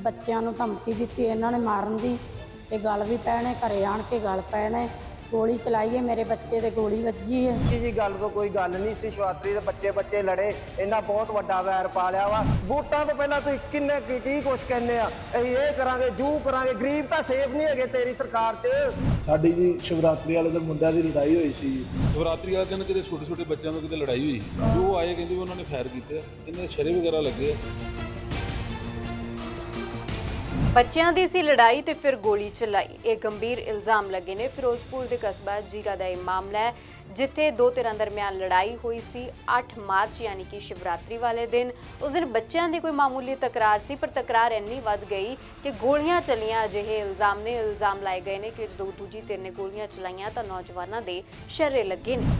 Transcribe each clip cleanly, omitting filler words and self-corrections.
ਬੱਚਿਆਂ ਨੂੰ ਧਮਕੀ ਦਿੱਤੀ ਇਹਨਾਂ ਨੇ ਮਾਰਨ ਦੀ ਤੇ ਗਲ ਵੀ ਪੈਣੇ, ਘਰੇ ਆਣ ਕੇ ਗਲ ਪੈਣੇ, ਗੋਲੀ ਚਲਾਈਏ, ਮੇਰੇ ਬੱਚੇ ਤੇ ਗੋਲੀ ਵੱਜੀ ਹੈ। ਜੀ ਗੱਲ ਤੋਂ ਕੋਈ ਗੱਲ ਨਹੀਂ ਸੀ। ਸ਼ਿਵਰਾਤਰੀ ਦੇ ਬੱਚੇ ਲੜੇ, ਇਹਨਾਂ ਬਹੁਤ ਵੱਡਾ ਵੈਰ ਪਾ ਲਿਆ ਵਾ। ਵੋਟਾਂ ਤੋਂ ਪਹਿਲਾਂ ਤੁਸੀਂ ਕਿੰਨੇ ਕੀ ਕੁਛ ਕਹਿੰਦੇ ਆ, ਅਸੀਂ ਇਹ ਕਰਾਂਗੇ ਜੂ ਕਰਾਂਗੇ। ਗਰੀਬ ਤਾਂ ਸੇਫ ਨਹੀਂ ਹੈਗੇ ਤੇਰੀ ਸਰਕਾਰ 'ਚ। ਸਾਡੀ ਜੀ ਸ਼ਿਵਰਾਤਰੀ ਵਾਲੇ ਦਿਨ ਮੁੰਡਿਆਂ ਦੀ ਲੜਾਈ ਹੋਈ ਸੀ ਜੀ। ਸ਼ਿਵਰਾਤਰੀ ਵਾਲੇ ਦਿਨ ਕਿਤੇ ਛੋਟੇ ਬੱਚਿਆਂ ਤੋਂ ਕਿਤੇ ਲੜਾਈ ਹੋਈ, ਜੋ ਆਏ ਕਹਿੰਦੇ ਵੀ ਉਹਨਾਂ ਨੇ ਫਾਇਰ ਕੀਤੇ, ਇਹਨਾਂ ਸ਼ਰੇ ਵਗੈਰਾ ਲੱਗੇ। ਬੱਚਿਆਂ ਦੀ ਸੀ ਲੜਾਈ ਤੇ ਫਿਰ ਗੋਲੀ ਚਲਾਈ, ਇਹ ਗੰਭੀਰ ਇਲਜ਼ਾਮ ਲੱਗੇ ਨੇ। ਫਿਰੋਜ਼ਪੁਰ ਦੇ ਕਸਬਾ ਜੀਰਾ ਦਾ ਇਹ ਮਾਮਲਾ ਹੈ, ਜਿੱਥੇ ਦੋ ਧਿਰਾਂ ਦਰਮਿਆਨ ਲੜਾਈ ਹੋਈ ਸੀ 8 ਮਾਰਚ ਯਾਨੀ ਕਿ ਸ਼ਿਵਰਾਤਰੀ ਵਾਲੇ ਦਿਨ। ਉਸ ਦਿਨ ਬੱਚਿਆਂ ਦੀ ਕੋਈ ਮਾਮੂਲੀ ਤਕਰਾਰ ਸੀ, ਪਰ ਤਕਰਾਰ ਇੰਨੀ ਵੱਧ ਗਈ ਕਿ ਗੋਲੀਆਂ ਚਲੀਆਂ। ਅਜਿਹੇ ਇਲਜ਼ਾਮ ਲਾਏ ਗਏ ਨੇ ਕਿ ਜਦੋਂ ਦੂਜੀ ਧਿਰ ਨੇ ਗੋਲੀਆਂ ਚਲਾਈਆਂ ਤਾਂ ਨੌਜਵਾਨਾਂ ਦੇ ਸ਼ਰੇ ਲੱਗੇ ਨੇ।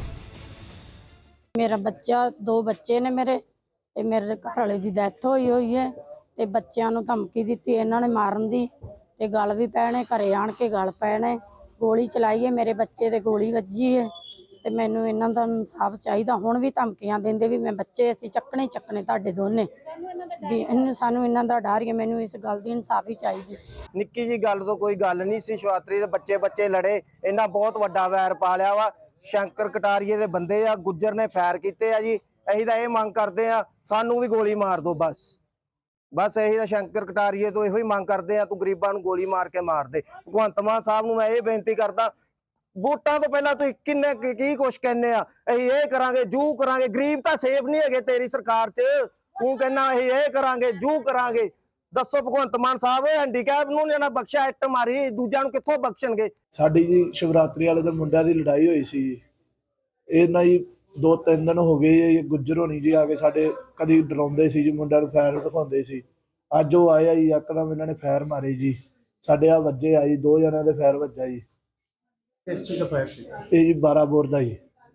ਮੇਰਾ ਬੱਚਾ, 2 ਬੱਚੇ ਨੇ ਮੇਰੇ, ਤੇ ਮੇਰੇ ਘਰ ਵਾਲੇ ਦੀ ਡੈਥ ਹੋਈ ਹੈ ਤੇ ਬੱਚਿਆਂ ਨੂੰ ਧਮਕੀ ਦਿੱਤੀ ਇਹਨਾਂ ਨੇ ਮਾਰਨ ਦੀ ਤੇ ਗਲ ਵੀ ਪੈਣੇ, ਘਰੇ ਆਣ ਕੇ ਗਲ ਪੈਣੇ, ਗੋਲੀ ਚਲਾਈਏ, ਮੇਰੇ ਬੱਚੇ ਤੇ ਗੋਲੀ ਵੱਜੀ ਹੈ ਤੇ ਮੈਨੂੰ ਇਹਨਾਂ ਦਾ ਇਨਸਾਫ ਚਾਹੀਦਾ। ਹੁਣ ਵੀ ਧਮਕੀਆਂ ਦਿੰਦੇ ਵੀ ਮੈਂ ਬੱਚੇ ਅਸੀਂ ਚੱਕਣੇ ਤੁਹਾਡੇ ਦੋਨੇ ਵੀ। ਸਾਨੂੰ ਇਹਨਾਂ ਦਾ ਡਰ ਹੈ, ਮੈਨੂੰ ਇਸ ਗੱਲ ਦੀ ਇਨਸਾਫ ਹੀ ਚਾਹੀਦੀ। ਨਿੱਕੀ ਜੀ ਗੱਲ ਤੋਂ ਕੋਈ ਗੱਲ ਨਹੀਂ ਸੀ। ਸ਼ਿਵਰਾਤਰੀ ਦੇ ਬੱਚੇ ਲੜੇ, ਇਹਨਾਂ ਬਹੁਤ ਵੱਡਾ ਵੈਰ ਪਾ ਲਿਆ ਵਾ। ਸ਼ੰਕਰ ਕਟਾਰੀਏ ਦੇ ਬੰਦੇ ਆ, ਗੁੱਜਰ ਨੇ ਫਾਇਰ ਕੀਤੇ ਆ ਜੀ। ਅਸੀਂ ਤਾਂ ਇਹ ਮੰਗ ਕਰਦੇ ਆ, ਸਾਨੂੰ ਵੀ ਗੋਲੀ ਮਾਰ ਦਿਓ ਬਸ ਇਹੀ ਤਾਂ ਸ਼ੰਕਰ ਕਟਾਰੀਏ ਤੋਂ ਇਹੋ ਹੀ ਮੰਗ ਕਰਦੇ ਆ, ਤੂੰ ਗਰੀਬਾਂ ਨੂੰ ਗੋਲੀ ਮਾਰ ਕੇ ਮਾਰ ਦੇ। ਭਗਵੰਤ ਮਾਨ ਸਾਹਿਬ ਨੂੰ ਮੈਂ ਇਹ ਬੇਨਤੀ ਕਰਦਾ, ਵੋਟਾਂ ਤੋਂ ਪਹਿਲਾਂ ਤੁਸੀਂ ਕਿੰਨੇ ਕੀ ਕੁਛ ਕਹਿੰਦੇ ਆ, ਅਸੀਂ ਇਹ ਕਰਾਂਗੇ ਜੂ ਕਰਾਂਗੇ। ਗਰੀਬ ਤਾਂ ਸੇਫ ਨਹੀਂ ਹੈਗੇ ਤੇਰੀ ਸਰਕਾਰ 'ਚ। ਤੂੰ ਕਹਿੰਦਾ ਅਸੀਂ ਇਹ ਕਰਾਂਗੇ ਜੂ ਕਰਾਂਗੇ। ਦੱਸੋ ਭਗਵੰਤ ਮਾਨ ਸਾਹਿਬ, ਹੈਂਡੀਕੈਪ ਨੂੰ ਇਹਨਾਂ ਬਖਸ਼ਿਆ, ਇੱਟ ਮਾਰੀ, ਦੂਜਿਆਂ ਨੂੰ ਕਿੱਥੋਂ ਬਖਸ਼ਣਗੇ? ਸਾਡੀ ਜੀ ਸ਼ਿਵਰਾਤਰੀ ਵਾਲੇ ਦਿਨ ਮੁੰਡਿਆਂ ਦੀ ਲੜਾਈ ਹੋਈ ਸੀ ਜੀ। ਇਹਨਾਂ ਜੀ 2-3 ਦਿਨ ਹੋ ਗਏ ਜੀ। ਗੁੱਜਰ ਹੋਣੀ ਜੀ ਆ ਕੇ ਸਾਡੇ ਕਦੀ ਡਰਾਉਂਦੇ ਸੀ ਜੀ, ਮੁੰਡਿਆਂ ਨੂੰ ਫਾਇਰ ਦਿਖਾਉਂਦੇ ਸੀ। ਅੱਜ ਉਹ ਆਇਆ ਜੀ, ਇੱਕਦਮ ਇਹਨਾਂ ਨੇ ਫਾਇਰ ਮਾਰੇ ਜੀ, ਸਾਡੇ ਆ ਵੱਜੇ ਆ ਜੀ। 2 ਜਣਿਆਂ ਦੇ ਫਾਇਰ ਵੱਜਾ ਜੀ। ਕਿਸ ਚੀਜ਼ ਦਾ ਫਾਇਰ ਸੀ? ਇਹ ਜੀ 12 ਬੋਰ ਦਾ ਜੀ।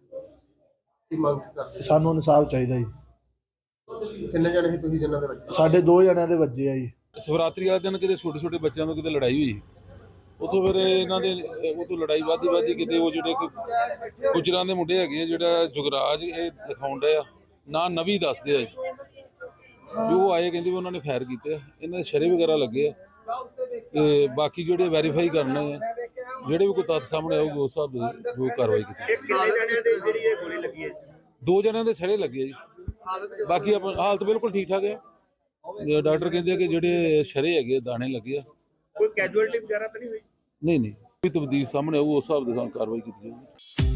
ਕੀ ਮੰਗ ਕਰਦੇ? ਸਾਨੂੰ ਇਨਸਾਫ ਚਾਹੀਦਾ ਜੀ। ਕਿੰਨੇ ਜਣੇ ਸੀ ਤੁਸੀਂ ਜਿਨ੍ਹਾਂ ਦੇ ਵੱਜੇ? ਸਾਡੇ 2 ਜਣਿਆਂ ਦੇ ਵੱਜੇ ਆ ਜੀ। ਸ਼ਿਵਰਾਤਰੀ ਵਾਲੇ ਦਿਨ ਕਿਤੇ ਛੋਟੇ ਬੱਚਿਆਂ ਤੋਂ ਕਿਤੇ ਲੜਾਈ ਹੋਈ, ਉਤੋਂ ਫਿਰ ਇਹਨਾਂ ਦੇ ਉਤੋਂ ਲੜਾਈ ਵੱਧਦੀ ਕਿਤੇ ਉਹ ਜਿਹੜੇ ਗੁਜਰਾਂ ਦੇ ਮੁੰਡੇ ਹੈਗੇ ਆ, ਜਿਹੜਾ ਜੁਗਰਾਜ ਇਹ ਦਿਖਾਉਣ ਡਿਆ ਨਾ ਨਵੀਂ ਦੱਸਦੇ ਆ, ਜੋ ਆਏ ਕਹਿੰਦੇ ਵੀ ਉਹਨਾਂ ਨੇ ਫਾਇਰ ਕੀਤੇ, ਇਹਨਾਂ ਦੇ ਸ਼ਰੇ ਵਗੈਰਾ ਲੱਗੇ ਆ। ਤੇ ਬਾਕੀ ਜਿਹੜੇ ਵੈਰੀਫਾਈ ਕਰਨੇ ਆ, ਜਿਹੜੇ ਵੀ ਕੋਈ ਤੱਥ ਸਾਹਮਣੇ ਆਊਗੇ ਉਸ ਹਿਸਾਬ ਦੀ ਜੋ ਕਾਰਵਾਈ ਕੀਤੀ। ਕਿੰਨੇ ਜਣਿਆਂ ਦੇ ਜਿਹੜੀ ਇਹ ਗੋਲੀ ਲੱਗੀ ਹੈ? 2 ਜਣਿਆਂ ਦੇ ਸ਼ਰੇ ਲੱਗੇ ਆ ਜੀ। ਬਾਕੀ ਹਾਲਤ ਬਿਲਕੁਲ ਠੀਕ ਠਾਕ ਹੈ। ਡਾਕਟਰ ਕਹਿੰਦੇ ਆ ਕਿ ਜਿਹੜੇ ਸ਼ਰੇ ਹੈਗੇ ਦਾਣੇ ਲੱਗੇ ਆ। ਕੋਈ ਕੈਜੂਅਲਟੀ ਵਗੈਰਾ ਤਾਂ ਨਹੀਂ ਹੋਈ? ਨਹੀਂ ਕੋਈ ਤਬਦੀਲ ਸਾਹਮਣੇ ਆਊ ਉਸ ਹਿਸਾਬ ਦੇ ਨਾਲ ਕਾਰਵਾਈ ਕੀਤੀ ਜਾਊਗੀ।